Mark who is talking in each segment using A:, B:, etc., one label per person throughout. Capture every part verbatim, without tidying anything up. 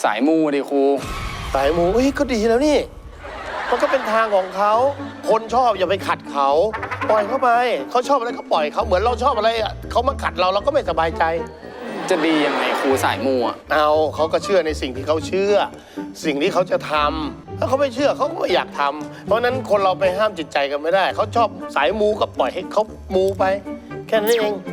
A: สายมูดิครู
B: สายมูเฮ้ยก็ดีแล้วนี่มันก็เป็นทางของเขาคนชอบอย่าไปขัดเขาปล่อยเขาไปเขาชอบอะไรก็ปล่อยเขาเหมือนเราชอบอะไรเขามาขัดเราเราก็ไม่สบายใจ
A: จะดียังไงครูสายมูอ่ะ
B: เอาเขาก็เชื่อในสิ่งที่เขาเชื่อสิ่งที่เขาจะทำถ้าเขาไม่เชื่อเขาก็ไม่อยากทำเพราะนั้นคนเราไปห้ามจิตใจกันไม่ได้เขาชอบสายมูก็ปล่อยให้เขามูไปแค่นั้นเอง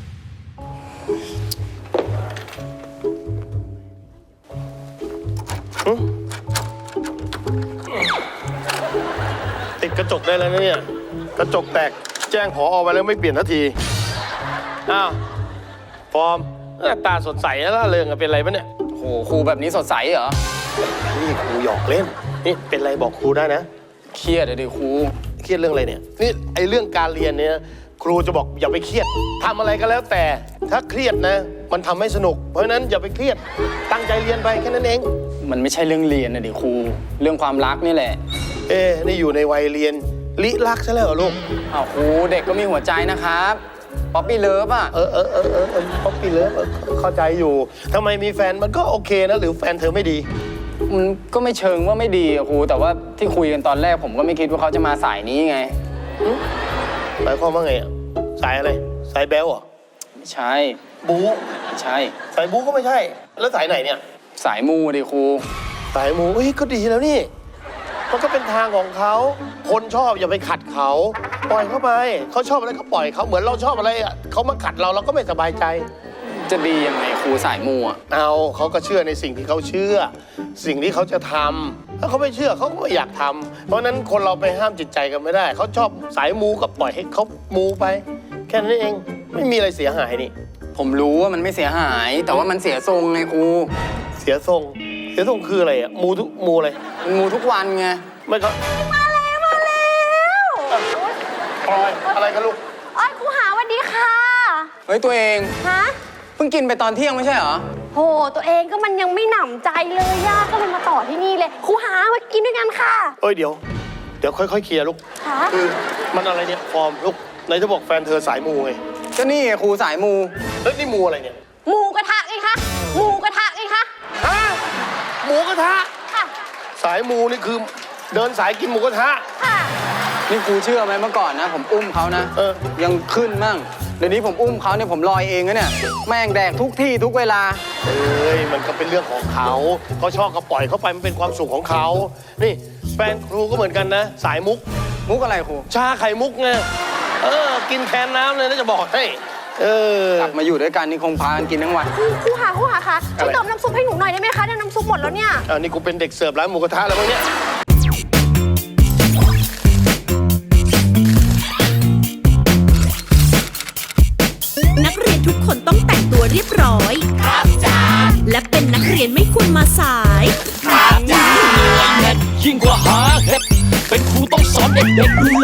B: ติดกระจกได้แล้วนะเนี่ยกระจกแตกแจ้งผอ.ไปแล้วไม่เปลี่ยนนาทีอ้าวฟอร์มหน้าตาสดใสแล้วล่ะเริงเป็นอะไรปะเนี่ย
A: โหครูแบบนี้สดใสเหรอ
B: นี่ครูหยอกเล่นนี่เป็นอะไรบอกครูได้นะ
A: เครียดเลยดิครู
B: เครียดเรื่องอะไรเนี่ยนี่ไอเรื่องการเรียนเนี่ยครูจะบอกอย่าไปเครียดทำอะไรก็แล้วแต่ถ้าเครียดนะมันทำให้สนุกเพราะฉะนั้นอย่าไปเครียดตั้งใจเรียนไปแค่นั้นเอง
A: มันไม่ใช่เรื่องเรียนนะดิครูเรื่องความรักนี่แหละ
B: เอ๊นี่อยู่ในวัยเรียนลิรักซะแล้วเหรอลูก
A: อ้าวครูเด็กก็มีหัวใจนะครับป๊อปปี้เลิฟอ่ะ
B: เออเออเออเออป๊อปปี้เลิฟเข้าใจอยู่ทำไมมีแฟนมันก็โอเคนะหรือแฟนเธอไม่ดี
A: มันก็ไม่เชิงว่าไม่ดีอะครูแต่ว่าที่คุยกันตอนแรกผมก็ไม่คิดว่าเขาจะมาสายนี้ไง
B: หมายความว่าไงอ่ะสายอะไรสายแบลอ่ะ
A: ไม่ใช่
B: บู๊
A: ไม่ใช่
B: สายบู๊ก็ไม่ใช่แล้วสายไหนเนี่ย
A: สายมูดิครู
B: สายมูเฮ้ยก็ดีแล้วนี่มันก็เป็นทางของเขาคนชอบอย่าไปขัดเขาปล่อยเขาไปเขาชอบอะไรก็ปล่อยเขาเหมือนเราชอบอะไรเขามาขัดเราเราก็ไม่สบายใจ
A: จะดียังไงครูสายมูอ่ะ
B: เอาเขาก็เชื่อในสิ่งที่เขาเชื่อสิ่งที่เขาจะทำถ้าเขาไม่เชื่อเขาก็ไม่อยากทำเพราะนั้นคนเราไปห้ามจิตใจกันไม่ได้เขาชอบสายมูก็ปล่อยให้เขามูไปแค่นั้นเองไม่มีอะไรเสียหายนี่
A: ผมรู้ว่ามันไม่เสียหายแต่ว่ามันเสียทรงไงครู
B: เสียทรงเสียทรงคืออะไรอ่ะมูทุกมูอะไร
A: มูทุกวันไง
B: ไม่ก็
C: มาแล้วมาแล้ว
B: ปล่อยอะไรกันลูก
C: อ้อยครูหาวันดีค่ะ
A: เฮ้ยตัวเอง
C: ฮะ
A: เพิ่งกินไปตอนเที่ยงไม่ใช่เหรอ
C: โหตัวเองก็มันยังไม่หนำใจเลยย่าก็เลยมาต่อที่นี่เลยครูหามากินด้วยกันค่ะ
B: เอ้ยเดี๋ยวเดี๋ยวค่อยๆเคลียร์ลูกคือมันอะไรเนี่ยฟอร์มลูกไหนจะบอกแฟนเธอสายมูไง
A: ก็นี่ครูสายมู
B: เฮ้ยนี่มูอะไรเนี่ย
C: หมูกระทะไงคะหมูกระทะไงคะ
B: ฮะหมูกระทะ
C: ค่ะ
B: สายมูนี่คือเดินสายกินหมูกระทะ
C: ค่ะ
A: นี่ครูเชื่อไหมเมื่อก่อนนะผมอุ้มเขานะ
B: เออ
A: ยังขึ้นมั่งเดี๋ยวนี้ผมอุ้มเขาเนี่ยผมลอยเองนะเนี่ยแม่งแดกทุกที่ทุกเวลา
B: เอ้ยมันก็เป็นเรื่องของเขาเขาชอบก็ปล่อยเขาไปมันเป็นความสุขของเขานี่แฟนครูก็เหมือนกันนะสายมุก
A: มุกอะไรครู
B: ชาไข่มุกไงเออกินแทนน้ำเลยนะจะบอกให้เออก
A: ลับมาอยู่ด้วยกันนี่คงพากันกินทั้งวัน
C: ครูครูหาครูหาค่ะช่วยเติมน้ำซุปให้หนูหน่อยได้ไหมคะเนี่ยน้ำซุปหมดแล้วเนี่ย
B: อ่านี่กูเป็นเด็กเสิร์ฟร้านหมูกระทะแล้วมั้งเนี่ย
D: นักเรียนทุกคนต้องแต่งตัวเรียบร้อยครับจ้าและเป็นนักเรียนไม่ควรมาสาย
E: ครับจ้ายิ่งกว่าหาเห็ดเป็นครูต้องสอนเด็กๆดู